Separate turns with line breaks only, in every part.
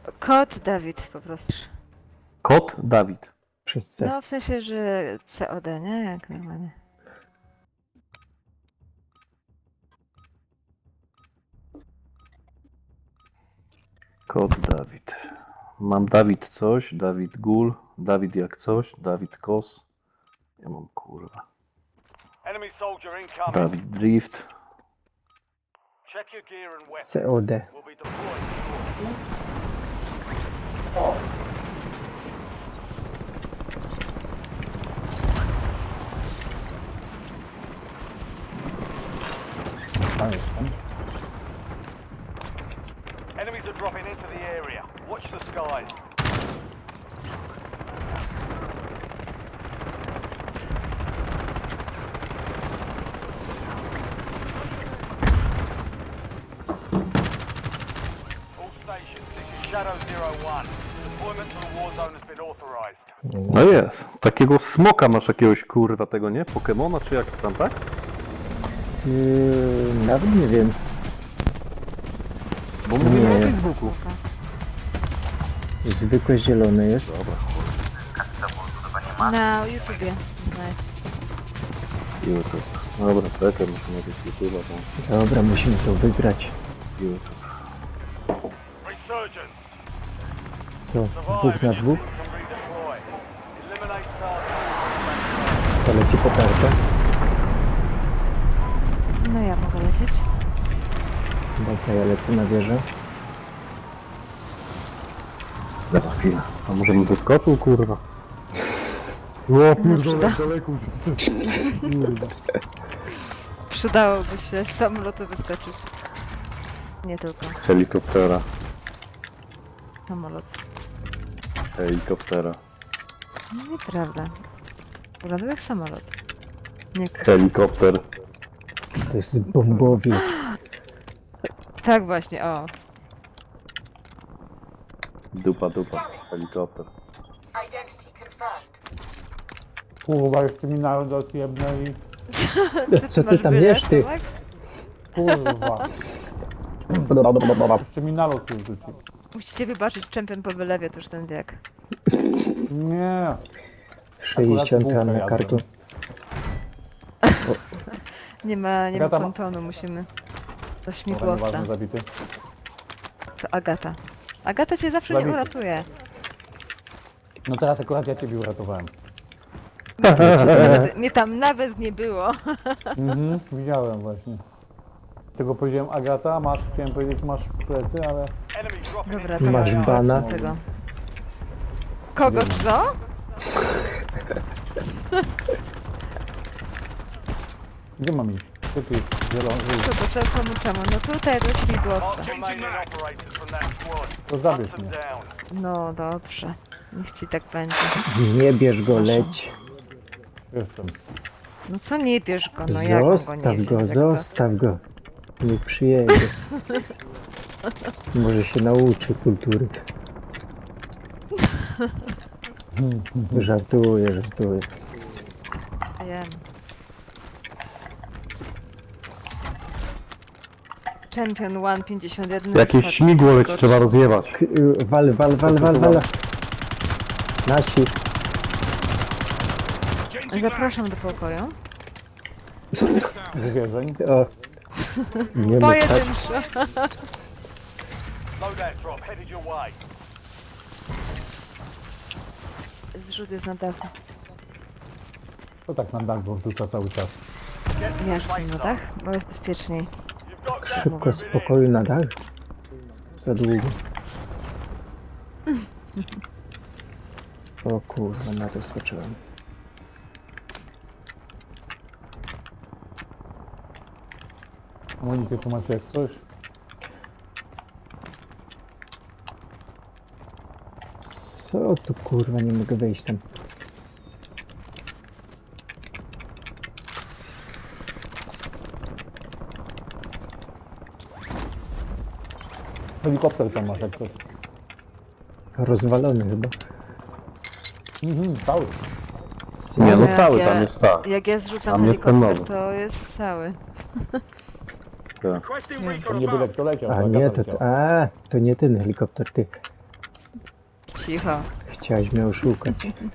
Kot Dawid po prostu.
Kot Dawid.
Przez C.
No w sensie, że COD, nie? Jak normalnie.
Kot Dawid. Mam Dawid coś, Dawid Gul, Dawid jak coś, Dawid Kos. Ja mam kurwa.
Enemy soldier incoming.
Dawid Drift.
Check your gear and weapons.
COD.
We'll be deployed shortly.
Tam jestem.
Enemies are dropping into the area. Watch the skies. All stations, this is Shadow 01. Deployment to the war zone has been authorized.
No jest. Takiego smoka masz jakiegoś kurwa tego, nie? Pokemona czy jak tam, tak?
Nawet nie wiem.
Bo mówimy
Nie.
o Facebooku.
Zwykłe zielone jest.
Dobra,
Na YouTubie. Znajdź.
YouTube. Dobra, czekaj, muszę najpierw YouTube'a, bo
Dobra, musimy to wygrać.
YouTube.
Resurgence.
Co? Dwóch na dwóch?
Can redeploy. Eliminate targets.
To leci potarcza.
No ja mogę lecieć.
Dobra, ja lecę na wieżę.
Za chwilę. A może bym wyskoczył, kurwa? O,
przyda.
daleko.
Przydałoby się z samolotu wyskoczyć. Nie tylko.
Helikoptera.
Samolot.
Helikoptera.
Nieprawda. Wyglądał jak samolot. Nie.
Helikopter.
To jest bombowiec.
Tak właśnie, o.
Dupa, dupa. Helikopter.
Identity confirmed.
Kurwa, jeszcze mi naród jebnęli.
Co ty
masz
tam
bilet,
wiesz, ty?
Tomek?
Kurwa. Jeszcze mi nalot już rzucił.
Musicie wybaczyć, czempion po wylewie, to już ten wiek.
Nie.
60
bułkę
na
jadłem.
kartę.
Nie ma
Agata ma-
pontonu, musimy. To
Dobra,
śmigłowca.
nieważne, zabity.
To Agata. Agata cię zawsze nie
Zabity.
uratuje.
No teraz akurat ja ciebie uratowałem.
Mnie tam nawet nie było.
Mhm, widziałem właśnie. Tego powiedziałem Agata, masz, chciałem powiedzieć masz plecy, ale...
Enemy dropping
Dobra,
into
to
Masz
masz
bana?
tego. Kogo co?
Gdzie mam iść? Gdzie ty jest? Zielony.
Kogo co, komu czemu? No tutaj do śmigłowca.
Mark remaining operators from that squad.
To zabierz
Hunt them
mnie.
down.
No dobrze. Niech ci tak będzie.
Nie bierz go, leć.
Jestem.
No co nie bierz go, no jak go nie
Zostaw
wziąć,
go,
jak to?
zostaw go. Niech przyjedzie. Może się nauczy kultury. Żartuję, żartuję.
Wiem. Champion 151.
Jakieś śmigło leci, trzeba rozjebać.
Wal. Nasi.
Zapraszam do pokoju.
Zwierzeń.
O. Nie ma tak.
Pojedynczo.
Loadout drop headed your way.
Zrzut jest na dachu.
To tak na dach wrzuca cały czas.
Get to
Ja
the
chcę
safe
na
zone.
dach, bo jest bezpieczniej.
You've got gas
Szybko z
moving in.
pokoju na dach. Za długo. O kurwa, na to skoczyłem.
Amunicję tu macie jak coś.
Co tu kurwa, nie mogę wejść tam.
Helikopter tam masz jak coś.
Rozwalony chyba.
Mhm, cały.
Nie, no
Jak
cały
ja-
tam jest tak.
Jak ja zrzucam
Tam jest ten
helikopter,
nowy.
to jest cały.
Tak.
Requesting
To
recon
nie byle
above.
kto leciał.
A
to
nie,
Agata
to,
leciała.
to nie ten helikopter, ty.
Cicho.
Chciałeś mnie oszukać.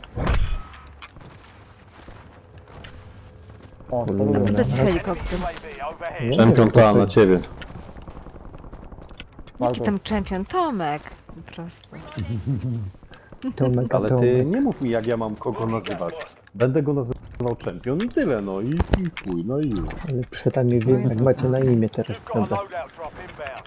O, to
Dobra.
lubię.
To jest helikopter.
UAV overhead.
Nie,
Czempion ta na ciebie.
Jaki
Bardzo.
tam czempion? Tomek. Po prostu.
Tomek,
Ale ty
Tomek.
nie mów mi, jak ja mam kogo nazywać. Będę go nazywał czempion i tyle, no i chuj, no i już.
Ale przynajmniej wiem, jak macie na imię teraz,
You've got a
prawda?
loadout drop inbound.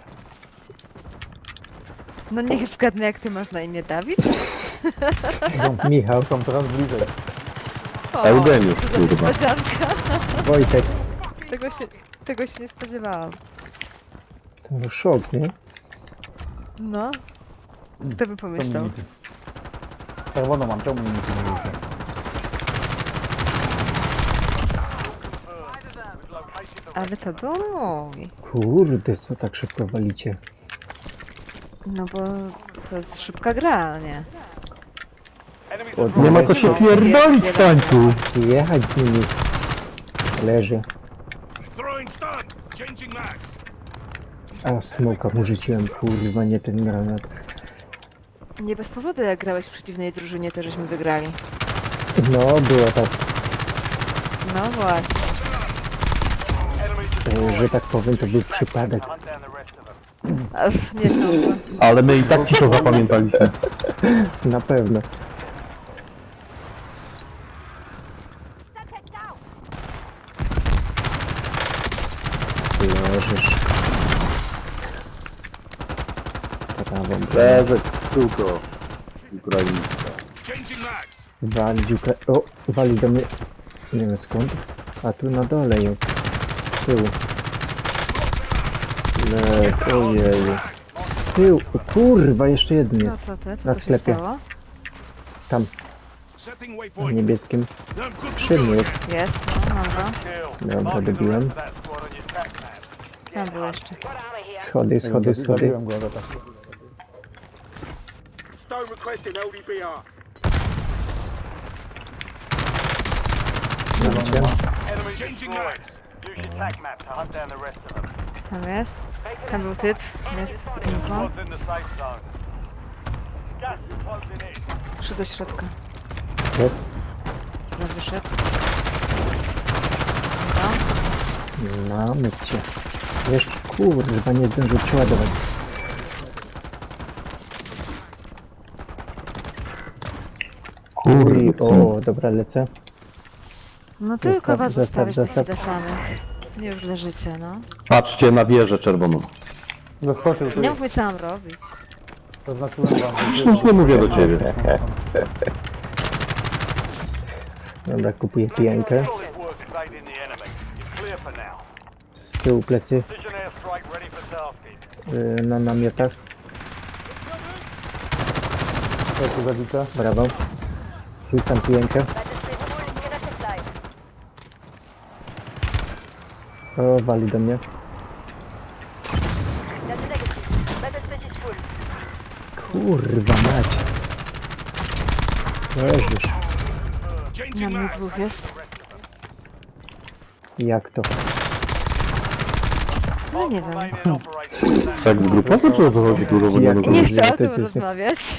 No niech zgadnę, jak ty masz na imię, Dawid?
Michał,
Są coraz bliżej.
O,
Eugeniusz,
co za
kurwa.
niespodzianka.
Wojtek.
Tego się nie spodziewałam.
To szok, nie?
No. Kto by pomyślał?
Czerwono mam, czemu mi nic nie mówicie?
We've located the
Ale to był mój.
Kurde, co tak szybko walicie?
No bo to jest szybka gra, nie?
enemies
Od-
are
Nie ma
dropping
co się pierdolić w tańcu.
Jechać z nimi. Leży.
Throwing stun. Changing mags.
A, smoka mu rzuciłem, kurwa, nie ten granat.
Nie bez powodu, jak grałeś w przeciwnej drużynie, to żeśmy wygrali.
No, było tak,
No właśnie.
enemies
że tak powiem, to był przypadek.
hunt down the rest of them.
A, nie sądzę.
Ale my i tak ci to zapamiętaliśmy.
Na pewno. Leżysz. Prawą.
Leżeć, tylko. Ukraińska.
Changing mags.
Walić O, wali do mnie. Nie wiem skąd. A tu na dole jest. Z tyłu. Ojeju. Z tyłu. O, kurwa, jeszcze jeden
No
jest.
co ty? Co
Na
tu się
sklepie.
stało?
Tam,
Setting
w
waypoint.
niebieskim.
I'm good to
Przy
go
mnie.
again.
Jest, no, mam go.
Kill.
Dobra,
Marking the
dobiłem.
rest of that squad on your tac map.
Tam był jeszcze.
Schody, schody, schody.
Zabiłem go, ale tak.
Stone requesting LDBR.
Macie.
Enemies
Changing
destroyed.
mags.
Use your tac map to hunt down the rest of them.
Tam jest. Tam był typ. Jest info.
Squad's in the safe zone. Gas is closing in.
Szedł do środka.
Jest.
Teraz wyszedł. No.
Mamy cię. Jeszcze kurwa, nie zdążył przeładować. Uj, o, dobra, lecę.
No tylko was
Zostaw,
zostawić
zostaw.
za samych. Nie już leżycie, no.
Patrzcie na wieżę czerwoną.
Zaskoczył tu.
Nie mów mi co mam robić.
Zaznaczyłem wam.
Już nie mówię do ciebie.
Dobra, kupuję pijankę.
Solid work evading the enemy. You're clear for now.
Z tyłu plecy
Precision airstrike ready for tasking.
na namiotach.
To tu zabite.
Brawo. Rzucam pijankę. O, wali do mnie. Kurwa mać. Leżysz.
Na
Changing
mnie
mags.
dwóch jest.
Jak to?
No nie wiem.
Remaining operators.
Seks grupowy czy o co chodzi, kurwa, bo nie
Jak-
rozumiem.
Nie chcę o
to
tym
jest-
rozmawiać.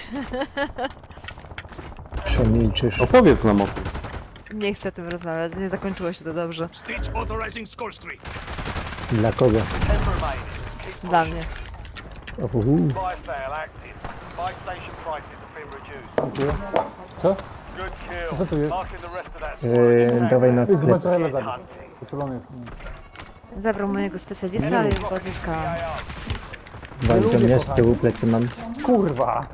Przemilczysz.
Opowiedz nam o tym.
Nie chcę o tym rozmawiać. Nie zakończyło się to dobrze.
Stitch authorizing score streak.
Dla kogo?
10 remaining. Keep
Dla mnie.
Uhu.
buy sale active. Buy station prices have been reduced.
Dziękuję. Co?
Good kill.
Co tu jest?
Marking the rest of that squad on your tac
Dawaj na
map.
Idź
sklep.
zobaczyć, hele zabić.
Hunting.
Uczulony jest.
Zabrał mojego specjalista, ale już go odzyskałam.
Wali do mnie, z tyłu plecy mam.
Kurwa!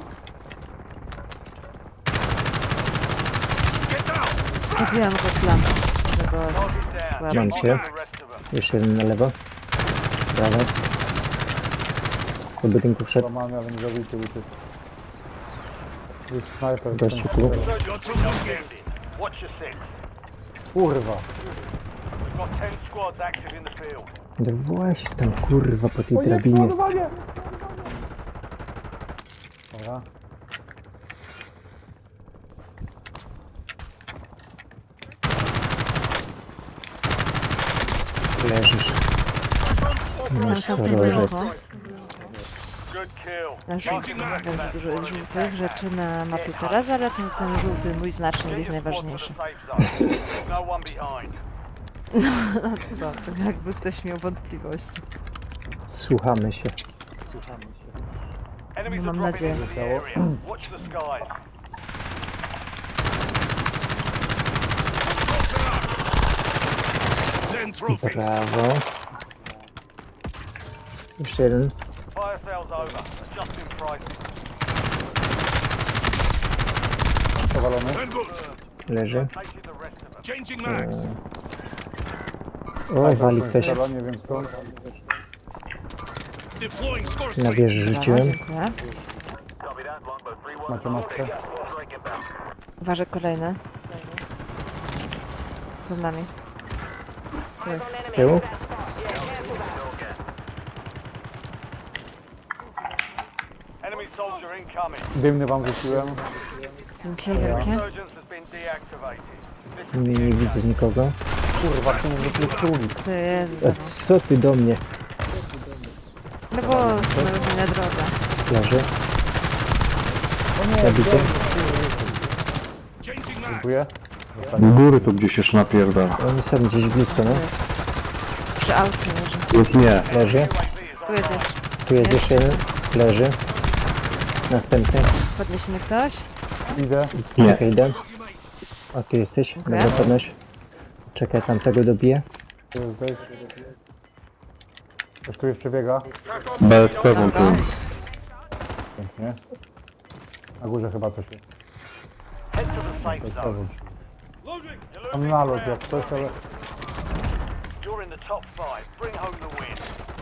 Get down.
Kupiłam go z lampą. Żeby go
Down.
Mam
słabo.
cię.
The rest of them.
Jeszcze jeden na lewo. Brawo. Do budynku wszedł.
Łamany, ale nie zabity uciekł. Jest snajper.
Gościu
ten-
tu.
Got some
Just
movement.
ended. Watch your six.
Kurwa!
We've got 10 squads active in the field.
No właśnie tam kurwa po tej
O nie,
drabinie.
przeładowanie! Dobra.
Leżysz.
Tam
Masz
są
chorożec.
info.
Good Good kill.
Na żółtym bardzo dużo jest żółtych rzeczy na mapie teraz, ale ten żółty mój znacznik jest
Get your squad to
najważniejszy.
the safe zone. There's no one behind.
No co, to jakby ktoś miał wątpliwości.
Słuchamy się.
Enemies
No
are
mam
dropping
nadzieję.
into the area. Watch the skies.
Ten trophies.
Brawo. Jeszcze jeden.
Fire sales over. Adjusting prices.
Powalony.
Ten good.
Leży.
Taking the rest of them.
Changing mags.
O, wali ktoś.
Nie wiem skąd.
Deploying score
Na
streak.
wieży
Brawo,
rzuciłem.
dziękuję.
Macie maskę?
Uważaj kolejne. Przed nami. Tu jest.
Z tyłu.
Enemy soldier incoming.
Dymny wam rzuciłem.
Wielkie, wielkie.
Resurgence has been deactivated.
Nie widzę nikogo.
Kurwa, czemu wrócił królik?
To jest.
A co ty do mnie?
No bo znaleźli na drodze.
Leży.
O nie,
Zabity.
Changing mags.
dziękuję.
U góry tu gdzieś już napierdala.
Oni są gdzieś blisko, no.
Przy aucie leży.
Już nie.
Leży.
Tu jest jeszcze.
Tu jest jeszcze jeden. Leży. Następny.
Podniesiemy ktoś?
Idę.
Nie.
Okej, idę. O, tu jesteś.
Dziękuję.
Dobra, podnoś. Czekaj, tamtego dobiję.
Tu jesteś. Ktoś tu jeszcze biega.
BSP wam tu.
Pięknie. Na górze chyba coś jest.
Head to the safe zone.
Przewódź.
Loading.
You're
Tam
losing
nalot
ground.
jak coś, ale...
You're in the top 5. Bring home the win.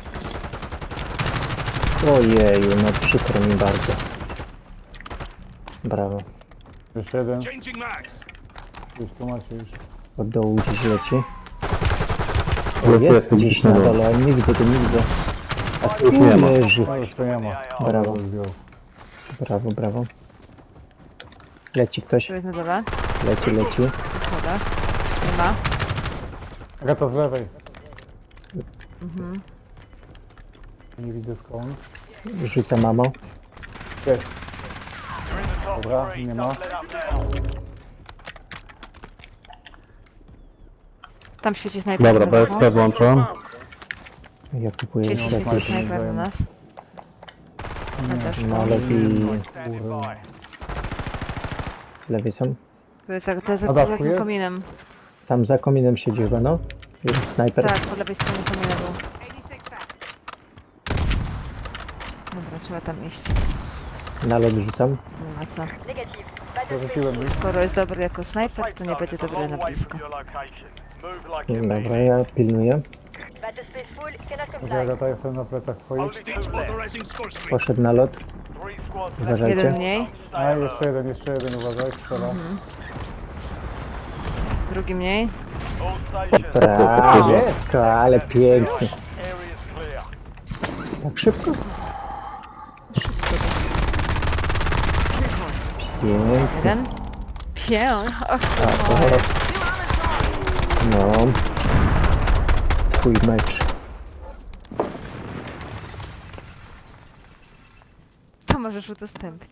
Ojeju, no przykro mi bardzo. Brawo.
Jeszcze jeden.
Changing mags.
Już tu macie już.
Od dołu gdzieś leci. O,
Tu
jest
jestem
gdzieś
gdzieś
na
na dole.
dole, ale nie widzę, to nie widzę. A tu
Już nie ma.
leży.
No już to nie ma.
Brawo,
Zdjął.
brawo, brawo. Leci ktoś.
Tu jest na dole.
Leci, leci.
Szkoda. Nie ma.
Agata z lewej.
Mhm.
Nie widzę skąd.
Rzuca mamo.
Jest.
You're in the top
Dobra,
3.
nie ma.
Don't let up now.
Tam świeci snajper.
Dobra, BSP włączam.
Ja kupuję
Świeci
jeszcze
Dobra,
świeci
jakieś.
snajper na nas. Ja też.
No lepiej
Standing by.
z lewej są.
Tu jest jak to jest
A
za
dawku
takim
jest?
kominem.
Tam za kominem siedzi chyba, no. Jest snajper.
Tak, po lewej stronie komina był. Dobra, trzeba tam iść.
Nalot rzucam.
Nie ma co.
Zarzuciłem mi.
Skoro jest dobry jako snajper,
Safe
to nie
zone
będzie
is a
dobry
long
na
way
blisko.
from your location. Move like you mean
Dobra,
it.
ja pilnuję.
Dobra, Agata, jestem na plecach twoich.
Only
Stage
two left.
authorizing score streak.
Poszedł nalot.
3 squads left.
Uważajcie.
Jeden mniej,
A,
Stay
jeszcze
alert.
jeden, uważaj, strzela.
drugi mniej.
All stations.
Brawo, ale pięknie.
Area is clear.
Tak szybko? Pięknie.
Jeden. Och,
No. Twój mecz.
to możesz udostępnić.